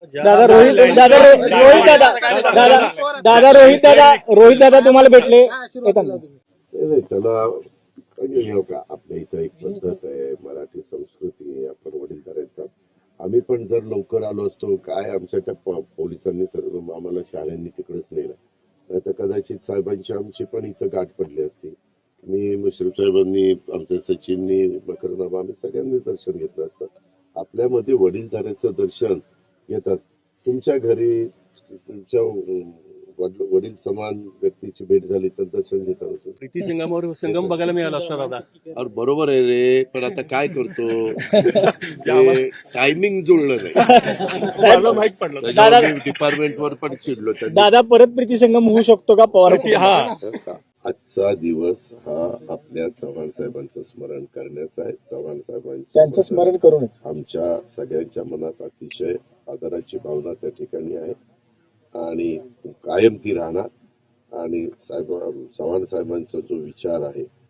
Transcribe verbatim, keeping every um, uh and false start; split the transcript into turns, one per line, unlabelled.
दादा रोहित दादा रो- रोहित दादा दादा दादा रोहित दादा रोहित दादा तुम्हाला भेटले येताना.
नाही नाही, त्याला म्हणजे हे का आपल्या इथं एक पद्धत आहे, मराठी संस्कृती आहे, आपण वडीलधाऱ्यांचा. आम्ही पण जर लवकर आलो असतो, काय आमच्या त्या प- पोलिसांनी सर्व आम्हाला शाळांनी तिकडेच नेलं, नाही तर कदाचित साहेबांची आमची पण इथं गाठ पडली असती. मी मुश्रीफ साहेबांनी, आमच्या सचिननी, मकरनामा, आम्ही सगळ्यांनी दर्शन घेतलं असतं. आपल्यामध्ये वडीलधाऱ्याचं दर्शन घेतात. तुमच्या घरी तुमच्या अं, वडील वडील समान व्यक्तीची भेट झाली तर दर्शन घेता होतं.
प्रीती संगमावर संगम बघायला मिळाला असता दादा.
अरे बरोबर आहे रे, पण आता काय करतो, टायमिंग जुळलं नाही.
मला माहित पडलं.
त्याच्यावर मी डिपार्टमेंटवर पण चिडलो त्यांनी.
दादा परत प्रीती संगम होऊ शकतो का पवार
ती- हा
आजचा दिवस हा आपल्या चव्हाण साहेबांचं स्मरण करण्याचा आहे. चव्हाण साहेबांचं
त्यांचं स्मरण करूनच
आमच्या सगळ्यांच्या मनात अतिशय आदराची भावना त्या ठिकाणी आहे आणि कायम ती राहणार. आणि साहेब चव्हाण साहेबांचा जो विचार आहे